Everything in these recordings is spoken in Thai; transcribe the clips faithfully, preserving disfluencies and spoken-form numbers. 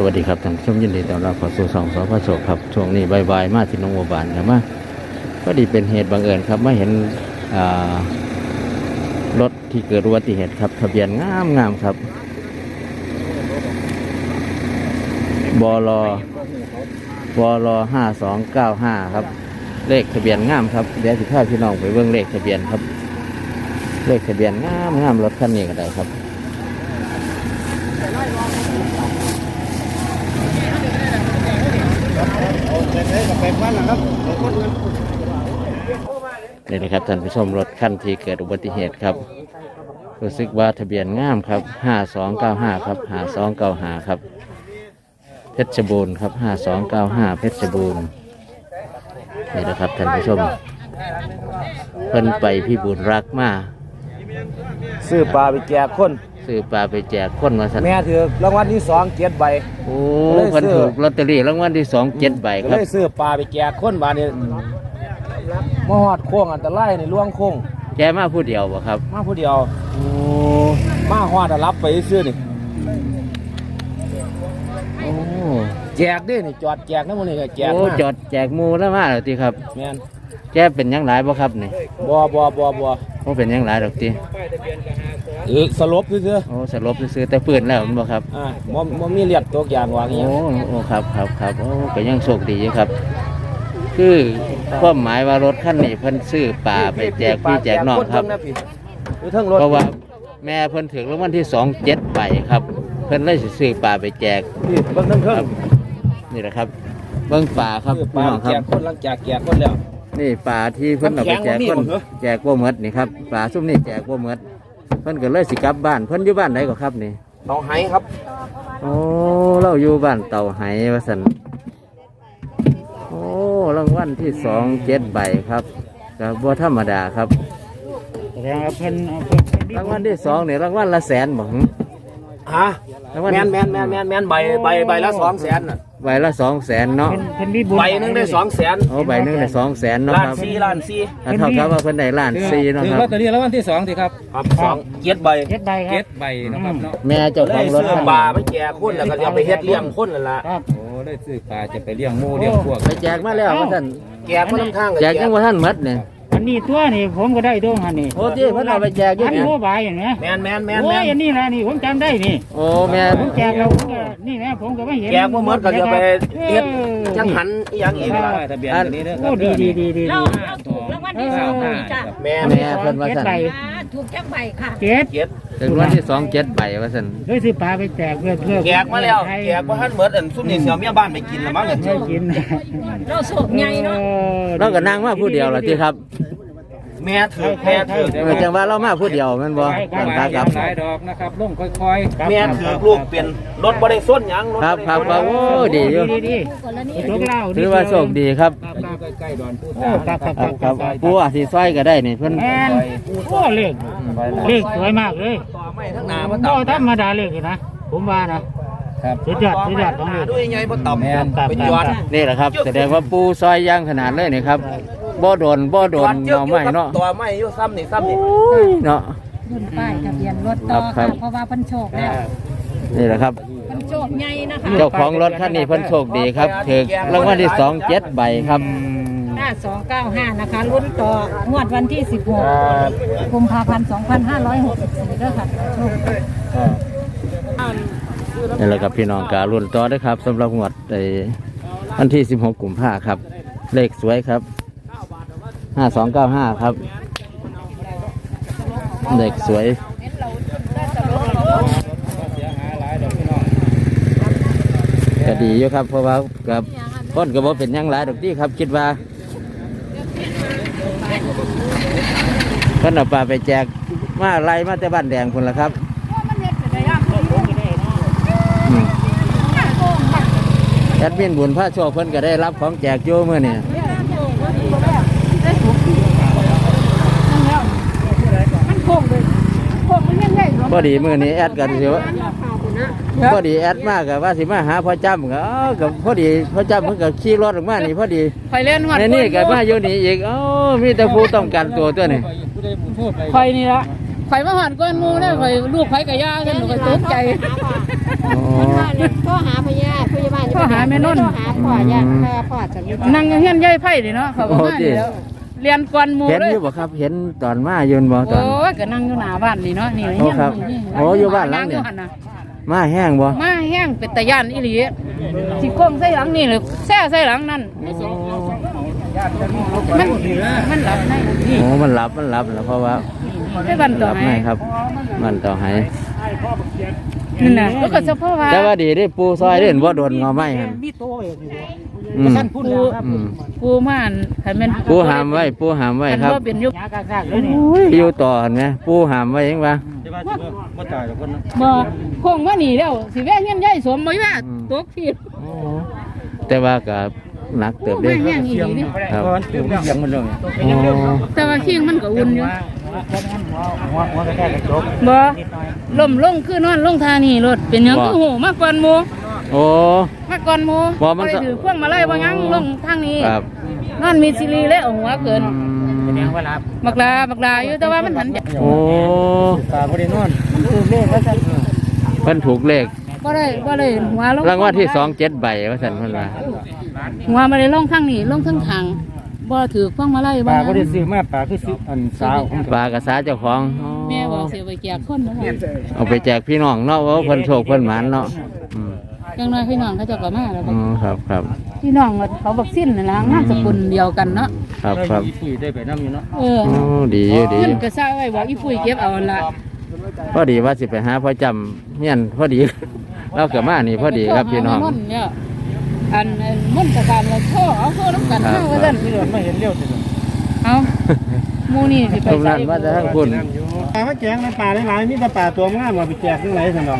วัสดีครับท่านผู้ชมยินดีต้อนรับเข้าสู่ช่องสพโชคครับช่วงนี้บ่ายๆมาที่หนองบัวบานครับมาพอดีเป็นเหตุบังเอิญครับมาเห็นรถที่เกิดอุบัติเหตุครับทะเบียนงามงามครับบลบลห้าสองเก้าห้าครับเลขทะเบียนงามครับเดี๋ยวสิพาพี่น้องไปเบิ่งเลขทะเบียนครับเลขทะเบียนงามงามรถคันนี้ก็ได้ครับนี่นะครับท่านผู้ชมรถคันที่เกิดอุบัติเหตุครับรู้สึกว่าทะเบียนงามครับห้าสองเก้าห้าครับห้าสองเก้าห้าครับเพชรบูรณ์ครับห้าสองเก้าห้าเพชรบูรณ์นี่นะครับท่านผู้ชมเพิ่นไปพี่บุญรักมาซื้อปลาไปแจกคนซื้อปลาไปแจกคนมาสั่นแม่ถือรางวัลที่สองเจ็ดใบโอ้เพิ่นถูกลอตเตอรี่รางวัลที่สองเจ็ดใบครับเลยซื้อปลาไปแจกคนบานนี้มาหอดโค้งอันตรายในล่วงโค้งแกมาผู้เดียวบ่ครับมาผู้เดียวโอ้มาหอดรับไปซื้อนี่โอ้แจกดินี่จอดแจกนั่นมันนี่แจกโอ้จอดแจกมูแล้วมาแล้วทีครับแม่นแกเป็นยังหลายบ่ครับนี่บ่บ่บ่บ่โอ้เป็นยังหลายดอกทีเออสลบซื้อโอ้สลบซื้อแต่ปืนแล้วมันบ่ครับอ่าบ่บ่มีเลือดตกยางวางอย่างโอ้โอ้ครับครับครับโอ้ก็ยังโชคดีอยู่ครับคือความหมายว่ารถคันนี้เพิ่นซื้อปลาไปแจกพี่แจกน้องครับเพราะว่าแม่เพิ่นถึงรางวัลที่สองเจ็ดใบครับเพิ่นเลยซื้อปลาไปแจกนี่เบิ่งเพิ่งนี่แหละครับเบิ่งปลาครับพี่น้องครับคนหลังจากแจกคนแล้วนี่ปลาที่เพิ่นเอาไปแจกคนแจกบ่หมดนี่ครับปลาซุ่มนี่แจกบ่หมดเพิ่นก็เลยสิกลับบ้านเพิ่นอยู่บ้านไหนก็ครับนี่เต่าไหครับโอ้เราอยู่บ้านเต่าไหว่าซั่นโอ้รางวัลที่สองเจ็ดใบครับก็บ่ธรรมดาครับรางวัลที่สองเนี่ยรางวัลละแสนบ่ฮะแมนแมนแมนแมนแมนใบใบใบละสองแสนน่ะใบละสองแสนเนาะใบหนึ่งได้สองแสนโอ้ใบหนึ่งได้สองแสนเนาะครับล้านสี่ล้านสี่เท่ากับว่าเพิ่นได้ล้านสี่เนาะครับถือว่าตอนนี้รางวัลที่สองสิครับครับสองเจ็ดใบเจ็ดใบครับเจ็ดใบนะครับเนาะแม่เจ้าของรถปลาไปแจกคนแล้วก็จะไปเฮ็ดเลี้ยงคนนั่นแหละโอ้ได้ซื้อปลาจะไปเลี้ยงหมูเลี้ยงพวกไปแจกมาแล้วท่านแจกมาทั้งทางแจกยังว่าท่านมัดเนี่ยอันนี้ตัวนี่ผมก็ได้ตัวหันนี่โอ้ที่เพิ่นเอาไปแจกอยู่เนี่ยอันโมบายอย่างเงี้ยแมนแมนแมนโอ้ยอันนี้แหละนี่ผมจำได้นี่โอ้แม่ผมแจกเราผมก็นี่นะผมก็ไม่เห็นแจกว่าหมดก็จะไปเฮ็ดจังหันอย่างอีกทะเบียนตัวนี้นะครับดีดีดีดีเราถูกรางวัลที่สองจ้ะแม่แม่เพิ่นว่าซั่นถูกจักใบค่ะเจ็ดเจ็ดถึงรางวัลที่สองเจ็ดใบว่าซั่นเคยซื้อปลาไปแจกเพื่อเพื่อแจกมาแล้วแจกว่าท่านเหมือนอันซุ่มนี่เสียวเมียบ้านไปกินละมั้งเนี่ยไม่กินเราโศกใหญ่เนาะเราก็นั่งมาผู้เดียวล่ะติครับแม่ถือแม่ถือจังว่าเรามาผู้เดียวแม่นบ่ตั้งตาครับหลายดอกนะครับลงค่อยๆแม่ถือลูกเปลี่ยนรถบ่ได้ส้นหยังรถครับครับโอ้ดีอยู่ถือว่าโชคดีครับใกล้ๆดอนผู้โอ้ครับครับครับผู้อาสิซอยก็ได้นี่เพิ่นแม่นโอ้เลขเลขสวยมากเลยต่อไม้ทั้งนาบ่ต่อธรรมดาเลขนะผมว่านะครับสุดยอดสุดยอดของเลขด้วยไงบ่ต่ำไปจอดนี่แหละครับแสดงว่าปูซอยย่างขนาดเลยนี่ครับบ่โดนบ่โดนเนาไม้เนาะตัวไม้อยู่ซ้ำนี่ซ้ำนี่เนาะรุ่นป้ายทะเบียนรถต่อค่ะเพราะว่าเพิ่นโชคแล้วนี่แหละครับเพิ่นโชคใหญ่นะคะเจ้าของรถคันนี้เพิ่นโชคดีครับถูกรางวัลที่สองเจ็ดใบครับห้าสองเก้าห้านะคะรุ่นต่องวดวันที่สิบหกกุมภาพันธ์สองพันห้าร้อยหกสิบสี่ด้วยค่ะโชคนี่แหละครับพี่น้องการรุ่นต่อด้วยครับสำหรับงวดในวันที่สิบหกกุมภาพันธ์ครับเลขสวยครับห้าสองเก้าห้าครับเด็กสวยก็ดีอยู่ครับเพราะว่ากับคนก็บอกเป็นยังหลายดอกที่ครับคิดว่าเพิ่นเอาปลาไปแจกมาไล่มาแต่บ้านแดงคนละครับแอดมินบุญพระโชคเพิ่นก็ได้รับของแจกโยเมื่อนี่พอดีมือนี้แอดกันสิวะพอดีแอดมากกับว่าสิมาหาพ่อจำกับกับพอดีพ่อจำเพิ่งกับขี่รถออกมานี่พอดีไฟเล่นหัดในนี่กับมาอยู่นี่อีกอ๋อมีแต่ผู้ต้องการตัวตัวนี่ไฟนี่ละไฟมาหันก้อนมูเนี่ยไฟลูกไฟกระยาฉันหนูก็ตกใจก็หาพญาแม่นนท์หาพ่ออยากถ้าพ่อจะมีนั่งอยู่เฮียนยายไผ่ดิเนาะเขาก็มานี่แล้วเรียนก่อนหมู่เห็นเลอย ยู่บ่ครับ เห็นตอนมายืนบ่ตอนโอ้ยก็นั่งอยู่หน้าบ้านนี่เนาะนี่โอ้ครับนี่โอ้อยู่บ้านหลังเนี่ยงหั่ะมาแห้งบ่มาแห้งเป็นตะย่านอีหลีสิโค้งใส่หลังนี่หรือแซ่ใส่หลังนั่นมันมันหลับในนี่โอ้มันหลับมันหลับแล้วเพราะว่าให้บันหต่อลับให้ในครับ มันต่อให้นั่นน่ะแล้วก็เฉพาะว่าแต่ว่าดีได้ปูซอยเด่นบ่โดนงอไม้หั่นอืมปูอืมปูม่านให้มันปูหามไว้ปูหามไว้มันครับบ่เป็นยุคอยู่ต่อเห็นไหมปูหามไว้เองวะบ่ตายแล้วคนนะบ่โค้งว่านี่แล้วสิแว่เฮียนยายสมบ่แว่ตกที่แต่ว่าก็หนักเติบเด้ไม่แห้งอีหลีนี่ครับเพราะมันอยู่ยังมันเลยอ๋อแต่ว่าคิงมันก็อุ่นอยู่หัวหัวกระแทกกระจกบ่ล่มลงคือนอนลงทานี่รถเป็นหยังคือโหมาก่อนหมู่โอ้มาก่อนหมู่บ่มันก็ไปถือพวงมาลัยบ่ยังลงทางนี้ครับนอนมีซีรีส์และเอาหัวเกินอืมบักลาบักลาอยู่แต่ว่ามันหันโอ้ตาบ่ได้นอนเพิ่นถูกเลขบ่ได้บ่ได้หัวลงรางวัลที่สองเจ็ดใบว่าซั่นเพิ่นว่าหัวบ่ได้ลงทางนี้ลงทางทางบ่ถือพวงมาลัยปบ่ลาบ่ได้ซื้อมาปลาคือซื้ออันสาวของปลากระสาเจ้าของอ๋อแม่บอกสิเอาไปแจกคนนะคเอาไปแจกพี่น้องเนาะว่าเพิ่นโชคเพิ่นหมานเนาะอืมจังน้อยพี่น้องเขาเจ้าก็มาแล้วอ๋อครับครับพี่น้องเขาบักสิ้นนั่นล่ะนามสกุลเดียวกันเนาะครับครับอีปุ๋ยได้ไปน้ำอยู่เนาะเออโอ้ดีอยู่ดีอเพิ่นยู่ก็ซะไว้บอกอีปุ้ยเก็บเอาหั่นล่ะพอดีว่าสิไปหาพ่อจำเฮียนพอดี เราเกิดมานี่พอดีครับพี่น้องมัเนี่ยอันอันมันตะการเราโทรเอาโทรน้ำกันครับเฮาว่าซั่นไม่เดือดไม่เห็นเลี้ยวสิเอาหมู่นี่สิไปตรงใส่นั้นว่าจะทั้งคุณปลามาแจกในป่าหลายๆมีแต่ปลาตัวงามมาไปแจกทั้งหลายซั่นดอก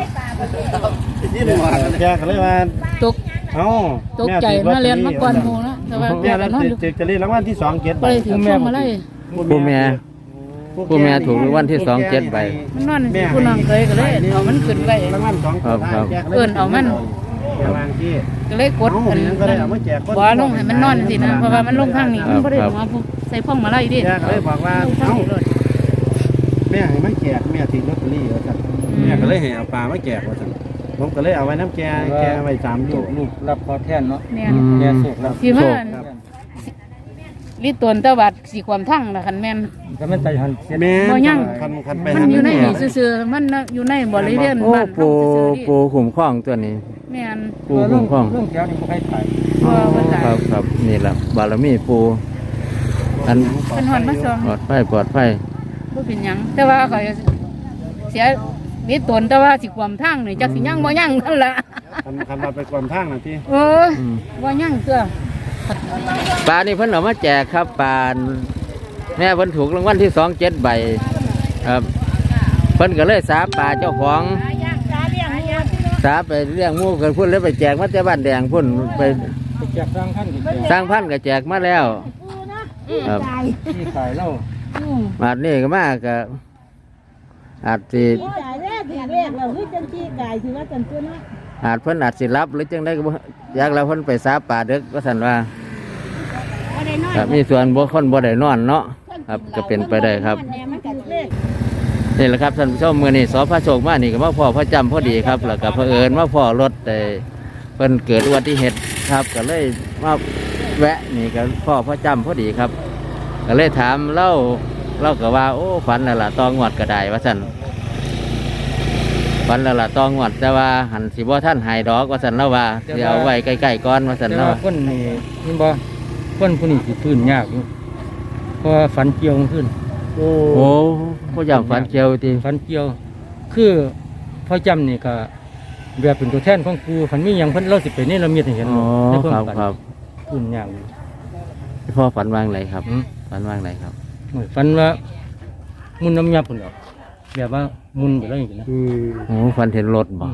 แจกก็เลยว่าตกเอ้าตกใจมาเรียนมาก่อนหมู่นะแต่ว่าแม่แม่เราก็นอนอยู่จะจะเรียนรางวัลที่สองเก็ดบ่ได้ถือพวงมาลัยผู้แม่ผู้แม่ถูกรางวัลที่สองเจ็ดใบมันนอนอยู่ผู้น้องเคยก็เลยเอามันขึ้นไปรางวัลสองครับครับเอิ้นเอามันอย่างนั้นที่ก็เลยกดอันก็เลยเอามาแจกคนบ่ลงให้มันนอนสินะเพราะว่ามันลงทางนี้มันบ่ได้หัวผู้ใส่พวงมาลัยดิแจกเลยบอกว่าเอ้าแม่ให้มาแจกแม่ถือลอตเตอรี่ว่าซั่นแม่ก็เลยให้เอาปลามาแจกว่าซั่นผมก็เลยเอาไว้น้ำแกแกไว้สามลูกลูกรับขอแทนเนาะเนี่ยอืมแกสุกรับสิว่าลิตรตะวัดสีความทั้งนะคันแม่นก็มันไปหันบ่ยังคันคันไปมันอยู่ในนี่ซื่อๆมันอยู่ในบริเวณโอ้บ้านปูเฮาซื่อๆนี่ปูขุมข้องตัวนี้แม่นปูขุมข้องเรื่องแถวนี้บ่ใครไปบ่ว่าตายครับครับนี่แหละบารมีปูอันเป็นหอนมาส่งปลอดภัยปลอดภัยบ่เป็นหยังแต่ว่าข่อยเสียลิตรแต่ว่าสิความทั้งนี่จักสิยังบ่ยังนั่นล่ะคันคันเราไปความทางน่ะที่โอ้ยอืมบ่ยังตัวปลานี่เพิ่นเอามาแจกครับปลาแม่เพิ่นถูกรางวัลที่สองเจ็ดใบครับเพิ่นก็เลยสาปลาเจ้าของสาไปเลี้ยงหมูกันพุ่นแล้วไปแจกมาแต่บ้านแดงพุ่นไปไปแจกสร้างท่านก็แจกสร้างพันธุ์ก็แจกมาแล้วครับที่ขายเหล้ามาดนี่ก็มากก็อาจสิจ่ายแรกถึงแรกเราเฮ้ยจังที่กายถือว่าจันตัวเนาะอาจเพิ่นอาจสิรับหรือจังได้ก็บ่อยากแล้วเพิ่นไปสาป่าเด็กก็สั่นว่าบ่ได้น้อยครับมีส่วนบ่คนบ่ได้นอนเนาะครับก็เป็นไปได้ครับแหน่มันกัดเลขนี่แหละครับท่านผู้ชมมื้อนี้สพระโชคมานี่ก็มาพ่อพระจำพอดีครับแล้วก็เผอิญมาพ่อรถแต่เพิ่นเกิดอุบัติเหตุครับก็เลยมาแวะนี่ก็พ่อพระจำพอดีครับ ก็เลยถามเล่าเล่าก็ว่าโอ้ฝันแล้วล่ะตองวดก็ได้ว่าซั่นฝันแล้วล่ะตองวดแต่ว่าหันสิบ่ท่านหายดอกว่าซั่นแล้วว่าสิเอาไว้ใกล้ๆก่อนว่าซั่นแต่เนาะว่าคนนี่นี่บ่คนผู้นี้สิพื้นยากอยู่เพราะว่าฝันเกี่ยวขึ้นโอ้พ่อจำฝันเกี่ยวติฝันเกี่ยว คือพ่อจำนี่ก็แบบเป็นตัวแทนของครูฝันมีหยังเพิ่นเราสิไปนี่เรามีให้เห็นอ๋อในวามครับฝันครับพื้นยากอยู่พ่อฝันว่างไรครับอืมฝันว่างไรครับโอ้ยฝันว่ามุนน้ำยาพุ่นดอกแบบว่ามุนไปแล้วอย่างนี้นะโอ้ฝันเห็นรถบ่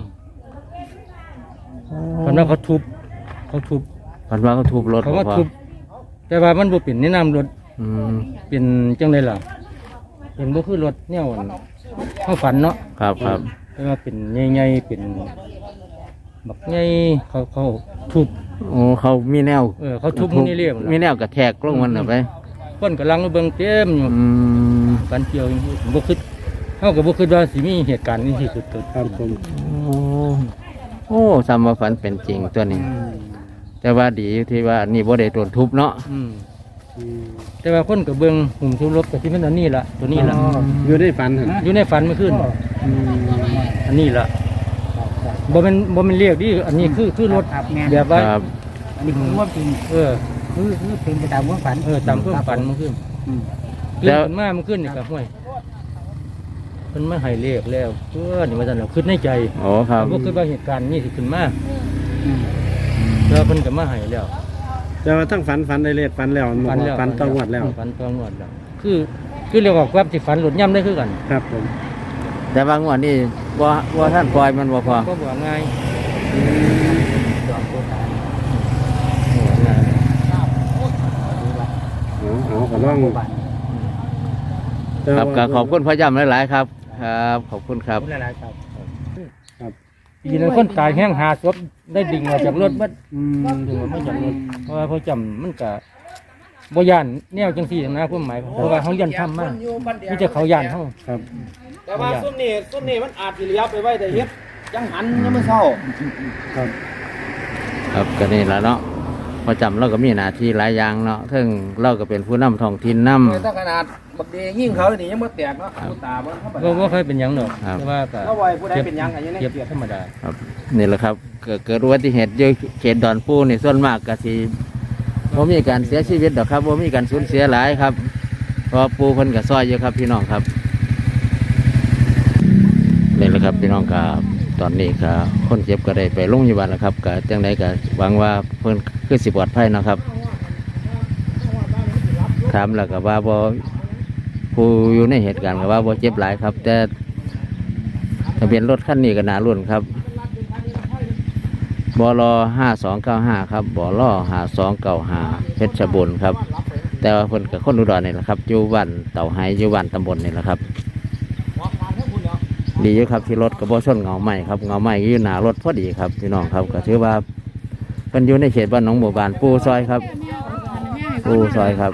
ฝันว่าเขาทุบเขาทุบฝันว่าเขาทุบรถเขาบ่ว่าพ่อทุบแต่ว่ามันบ่เป็นแนะนำรถอืมเป็นจังไดล่ะเป็นบ่คือรถแนวอันเขาฝันเนาะครับครับแต่ว่าเป็นใหญ่ๆเป็นบักใหญ่เขาเขาทุบโอ้เขามีแนวเออเขาทุบมันนี่เรียบมีแนวกระแทกลงมันเอาไปคนกำลังเบิ่งเต็มอยู่อืมฝันเกี่ยวอย่างนี้บ่คิดเฮาก็บ่คิดว่าสิมีเหตุการณ์นี้ที่เกิดขึ้นครับผมโอ้โอ้ซ้ำว่าฝันเป็นจริงตัวนี้แต่ว่าดีอยู่ที่ว่านี่บ่ได้โดนทุบเนาะอืมแต่ว่าคนกับเบิ้งหุ่มทุบรบกับที่มันอันนี้ละตัวนี้ละอยู่ได้ฝันหั่นอยู่ในฝันเมื่อคืนอันนี้ละบ่เป็นบ่เป็นเรียกดิอันนี้คือคือรถแบบว่าครับอันนี้คือว่าจริงเออคือคือเป็นไปตามความฝันเออตามความฝันเมื่อคืนคือแล้วมันมาเมื่อคืนนี่กับห้วยมันมาให้เลขแล้วเพื่อนนี่มาจันเราคิดในใจโอ้ครับพวกคือว่าเหตุการณ์นี่สิขึ้นมาแล้วเพิ่นก็มาให้แล้วแต่ว่าทั้งฝันฝันได้เลขฝันแล้วฝันแล้วฝันต้องวัดแล้วฝันต้องงวดแล้วคือคือเรียกว่าความสิฝันหลุดย่ำได้คือกันครับผมแต่บางวันนี่บ่บ่ท่านปล่อยมันบ่พอก็บอกง่ายเอาเอาก็ลองแต่ครับว่าก็ขอบคุณพ่อย้ำหลายๆครับ ครับขอบคุณครับหลายๆครับยินดีคนตายแห้งหาศพได้ดึงออกจากรถบัดอืมดึงออกมาจากรถเพราะว่าพ่อจำมันก็บ่ย่านแนวจังซี่นะความหมายเพราะว่าเขายันทำมากนี่จะเขาย่านเขาครับแต่ว่าซุ่มนี่ซุ่มนี่มันอาจสิเหลียวไปไว้แต่เฮ็ดจังหันยังไม่เศร้าครับครับก็นี่ละเนาะพอจำเราก็มีหน้าที่หลายอย่างเนาะถึงเราก็เป็นผู้นำท้องถิ่นนำถ้าขนาดบักเดยิ่งเขานี่ยังบ่แตกเนาะผู้ตาบ่ธรรมก็ดาบ่เคยเป็นหยังดอกครับแต่ว่าก็เขาไว้ผู้ใดเป็นหยังก็ยังได้เก็บเกียรติธรรมดาครับนี่แหละครับเกิดเกิดอุบัติเหตุอยู่เขตดอนปูนี่ส่วนมากก็สิบ่มีการเสียชีวิตดอกครับบ่มีการสูญเสียหลายครับเพราะปูเพิ่นก็ซอยอยู่ครับพี่น้องครับนี่แหละครับพี่น้องครับตอนนี้ก็คนเจ็บก็ได้ไปโรงพยาบาลแล้วครับก็จังไดก็หวังว่าเพิ่นคือสิปลอดภัยเนาะครับถามแล้วก็ว่าบ่ผู้อยู่ในเหตุการณ์ก็ว่าบ่เจ็บหลายครับ แต่ทะเบียนรถคันนี้ก็น่ารุ่นครับบลห้าสองเก้าห้าครับบลห้าสองเก้าห้าเพชรบุรีครับ แต่ว่าเพิ่นกับคนอุดรนี่แหละครับอยู่บ้านเต่าไฮอยู่บ้านตำบลนี่แหละครับ ดีอยู่ครับที่รถกระบะชนเงาใหม่ครับเงาใหม่อยู่หน้ารถพอดีครับพี่น้องครับก็ถือว่าเพิ่นอยู่ในเขตบ้านหนองบัวบานปูซอยครับปูซอยครับ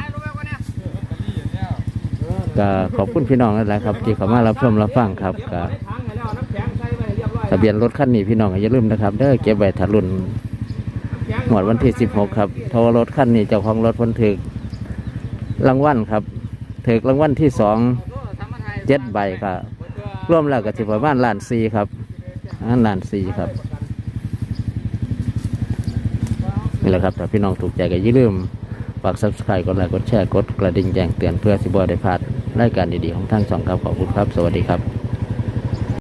ก็ขอบคุณพี่น้องนั่นแหละครับที่เข้ามารับชมรับฟังครับก็ทะเบียนรถคันนี้พี่น้องอย่าลืมนะครับเด้อเก็บไว้ถ้ารุ่นหมวดวันที่สิบหกครับโทรรถคันนี้เจ้าของรถเพิ่นถึกรางวัลครับถึกรางวัลที่สองเจ็ดใบครับร่วมแล้วก็ถือประมาณล้านสี่ครับอันล้านสี่ครับนี่แหละครับถ้าพี่น้องถูกใจก็อย่าลืมฝาก ซับสไครบ์ กดไลค์กดแชร์กดกระดิ่งแจ้งเตือนเพื่อสิบ่ได้พลาดรายการดีๆของทางช่องครับขอบคุณครับสวัสดีครับ